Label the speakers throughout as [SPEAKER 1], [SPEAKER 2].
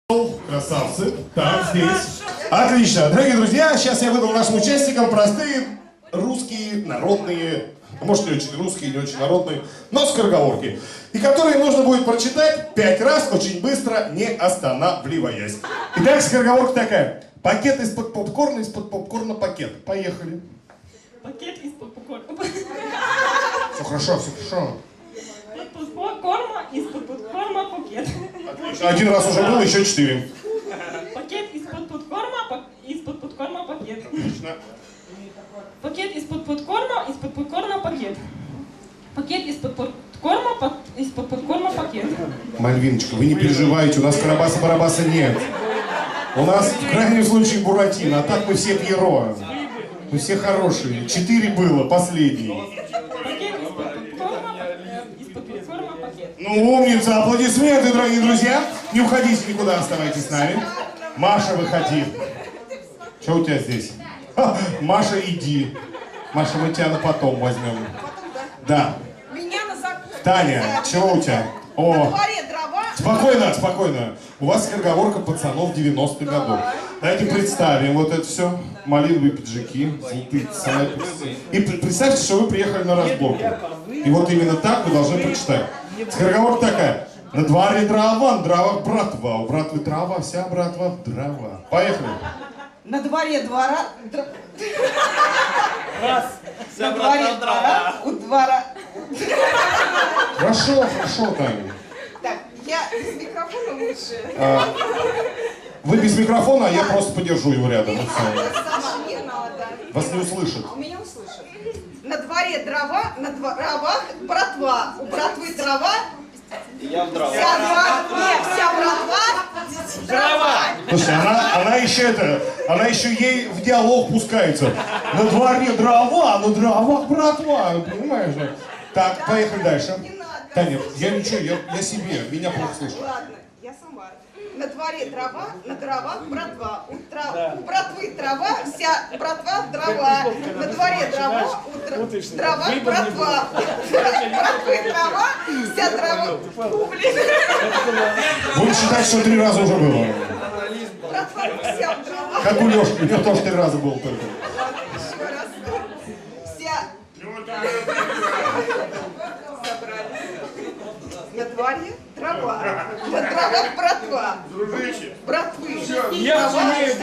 [SPEAKER 1] Красавцы. Так, здесь. Отлично. Дорогие друзья, сейчас я выдам нашим участникам простые русские, народные, может не очень русские, не очень народные, но скороговорки. И которые нужно будет прочитать 5 раз, очень быстро, не останавливаясь. Итак, скороговорка такая. Пакет из-под попкорна пакет. Поехали.
[SPEAKER 2] Пакет из-под попкорна.
[SPEAKER 1] Все хорошо, все хорошо.
[SPEAKER 2] Из-под попкорна пакет.
[SPEAKER 1] Отлично. Один раз уже было, еще 4.
[SPEAKER 2] Пакет из-под попкорна пакет.
[SPEAKER 1] Отлично.
[SPEAKER 2] Пакет из-под попкорна пакет. Пакет из-под попкорна пакет.
[SPEAKER 1] Мальвиночка, вы не переживайте, у нас Карабаса-Барабаса нет. У нас в крайнем случае Буратино, а так мы все Пьеро. Мы все хорошие. 4 было, последний.
[SPEAKER 2] Пакет из-под попкорна пакет.
[SPEAKER 1] Ну, умница, аплодисменты, дорогие друзья. Не уходите никуда, оставайтесь с нами. Маша, выходи. Что у тебя здесь? Ха, Маша, иди. Маша, мы тебя на потом возьмем. Да.
[SPEAKER 3] Меня на закуску.
[SPEAKER 1] Таня, что у тебя? О.
[SPEAKER 3] На дворе дрова.
[SPEAKER 1] Спокойно, спокойно. У вас скороговорка пацанов 90-х годов. Давайте представим вот это все. Малиновые пиджаки, золотые цапи. И представьте, что вы приехали на разборку. И вот именно так вы должны прочитать. Скороговорка такая. На дворе дрова, на дровах братва. У братвы трава, вся братва в дрова. Поехали.
[SPEAKER 3] На дворе двора.
[SPEAKER 4] Раз.
[SPEAKER 3] На дворе двора. У двора.
[SPEAKER 1] Хорошо, хорошо, Таня.
[SPEAKER 3] Так, я без микрофона лучше.
[SPEAKER 1] Вы без микрофона, а я просто подержу его рядом.
[SPEAKER 3] Сама не надо.
[SPEAKER 1] Вас не услышат.
[SPEAKER 3] У меня услышат. На дворе дрова, на дровах братва. У братвы дрова.
[SPEAKER 4] Я в дрова.
[SPEAKER 3] Вся братва. Дрова.
[SPEAKER 1] Слушай, она еще ей в диалог пускается. На дворе дрова, на дровах братва. Понимаешь же? Так, поехали дальше.
[SPEAKER 3] Не надо.
[SPEAKER 1] Таня, я ничего, я себе, меня плохо слышно.
[SPEAKER 3] Ладно, я сама. На дворе дрова, на дровах братва. У братвы трава, вся братва дрова. На дворе дрова, у дровах братва. Братвы трава, вся дрова. Блин.
[SPEAKER 1] Будем считать, что 3 раза уже было.
[SPEAKER 3] Братва вся дрова.
[SPEAKER 1] Как у Лешки, у него тоже 3 раза было только.
[SPEAKER 3] Еще раз. Вся. На дворе трава. На дровах братва. Братвы.
[SPEAKER 4] Я сумею,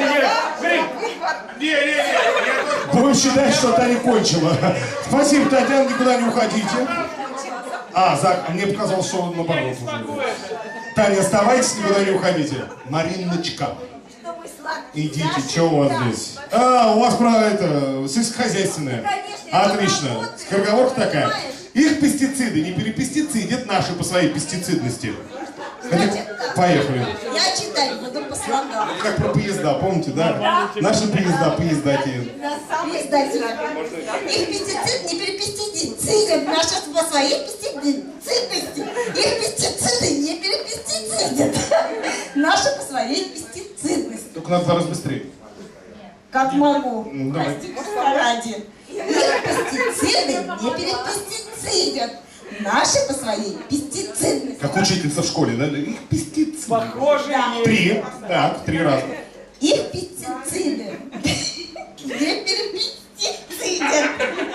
[SPEAKER 1] Будем считать, что Таня кончила. Спасибо, Татьяна, никуда не уходите. Мне показалось, что он наоборот уже. Таня, оставайтесь, никуда не уходите. Мариночка. Идите, что у вас здесь? У вас про это, сельскохозяйственное. Отлично. Скороговорка такая. Их пестициды не перепестицидят наши по своей пестицидности. Поехали.
[SPEAKER 5] Я читать буду по слогам.
[SPEAKER 1] Как про поезда, помните, да? Наши поездатели.
[SPEAKER 5] Их пестицид не перепестицидят. Наши по своей пестицидности. Их пестициды не перепестицидят. Наши по своей пестицидности.
[SPEAKER 1] Только надо 2 раза быстрее.
[SPEAKER 5] Как могу.
[SPEAKER 1] Давай.
[SPEAKER 5] Ради. Их пестициды не перепестицидят. Наши по своей пестицидности.
[SPEAKER 1] Как учительница в школе, да? Их пестициды.
[SPEAKER 4] Похоже,
[SPEAKER 1] 3. Так, 3 раза.
[SPEAKER 5] Их пестициды не перепестицидят.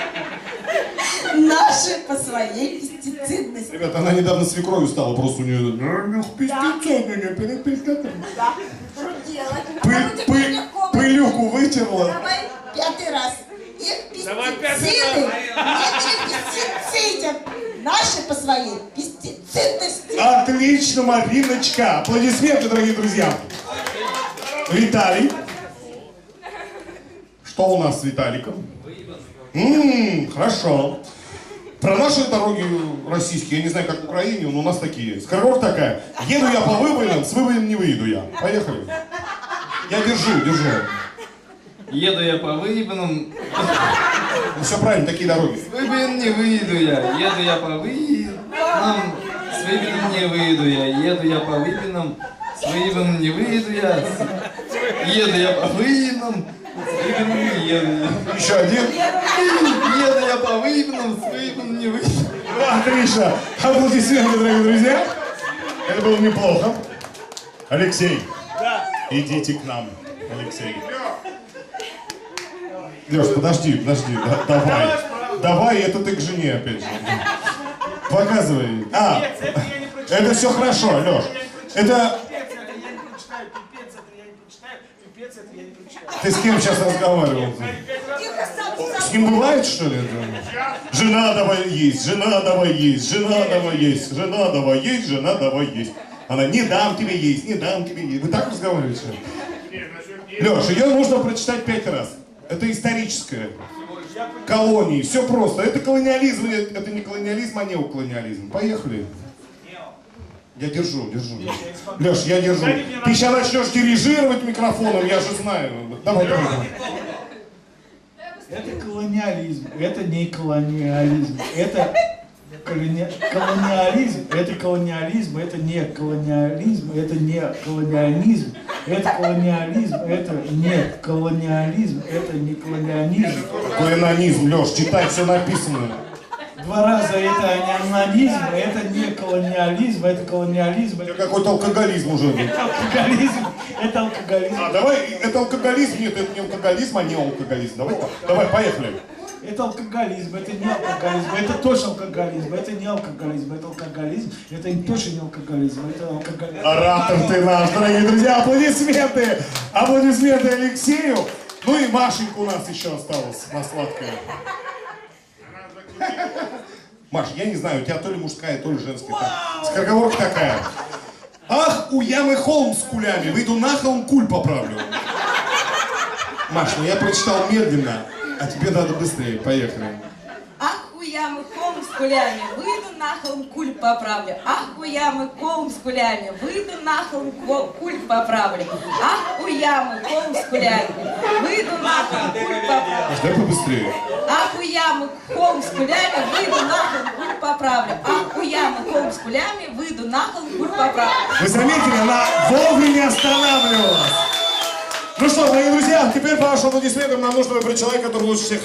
[SPEAKER 5] Наши по своей пестицидности.
[SPEAKER 1] Ребята, она недавно свекровью стала, просто у нее... Их пестициды не перепестицидят.
[SPEAKER 5] Что делать?
[SPEAKER 1] Пылюку вытерла.
[SPEAKER 5] Давай 5-й раз. Их пестициды не перепестицидят. Наши по своей пестицидности.
[SPEAKER 1] Отлично, Мариночка. Аплодисменты, дорогие друзья. Виталий. Что у нас с Виталиком? Хорошо. Про наши дороги российские, я не знаю, как в Украине, но у нас такие есть. Скороговорка такая. Еду я по выбоинам, с выбоин не выйду я. Поехали. Я держу.
[SPEAKER 4] Еду я по выебанам,
[SPEAKER 1] Ну все правильно, такие дороги.
[SPEAKER 4] с выбоин не выйду я. Еду я по выебанам, с выебаном не выйду я. Еду я по выебанам, с выебаном не выйду я. Еду я по выебанам, с выебаном не еду я.
[SPEAKER 1] Еще один.
[SPEAKER 4] Еду я по выебанам, с выебаном не выйду.
[SPEAKER 1] Отлично. Аплодисменты, дорогие друзья. Это было неплохо. Алексей. Идите к нам, Алексей. Леш, подожди, давай. Давай, это ты к жене опять же. Показывай. А, это все хорошо, Леш. Это... Ты с кем сейчас разговаривал? С ним бывает, что ли? Жена давай есть, жена давай есть, жена давай есть, жена давай есть, жена давай есть. Она, не дам тебе есть, не дам тебе есть. Вы так разговариваете? Леш, ее нужно прочитать 5 раз. Это историческое. Колонии, все просто. Это колониализм, это не колониализм, а неоколониализм. Поехали. Я держу. Леш, я держу. Ты сейчас начнешь дирижировать микрофоном, я же знаю. Давай.
[SPEAKER 6] Это колониализм, это не колониализм. Это колониализм, это колониализм, это не колониализм, это не колониализм. Это колониализм, это не колониализм, это не колониализм.
[SPEAKER 1] Колониализм, Леш, читай, все написано.
[SPEAKER 6] 2 раза это не анонизм, это не колониализм, это колониализм.
[SPEAKER 1] Это какой-то алкоголизм уже.
[SPEAKER 6] Это алкоголизм.
[SPEAKER 1] А давай, это алкоголизм, нет, это не алкоголизм, а не алкоголизм. Давай, поехали.
[SPEAKER 6] Это алкоголизм, это не алкоголизм, это точно алкоголизм, это не алкоголизм, это алкоголизм, это точно не алкоголизм, это алкоголизм.
[SPEAKER 1] Оратор ты наш, дорогие друзья, аплодисменты! Аплодисменты Алексею. Ну и Машенька у нас еще осталась на сладкое. Маш, я не знаю, у тебя то ли мужская, то ли женская. Скороговорка такая. Ах, у ямы холм с кулями, выйду на холм, куль поправлю. Маш, ну я прочитал медленно, а тебе надо быстрее. Поехали.
[SPEAKER 5] Ах, у ямы холм с кулями, выйду на холм, куль поправлю. Ах, у ямы холм с кулями, выйду на холм, куль поправлю. Ах, у ямы холм с кулями, выйду на холм, куль поправлю.
[SPEAKER 1] Дай побыстрее.
[SPEAKER 5] Ах, у ямы холм с кулями, выйду на холм, куль поправлю. Ах, у ямы холм с кулями, выйду на холм, куль поправлю.
[SPEAKER 1] Вы заметили, она вовремя останавливалась. Ну что, дорогие друзья, теперь по вашим аплодисментам нам нужно выбрать человека, который лучше всех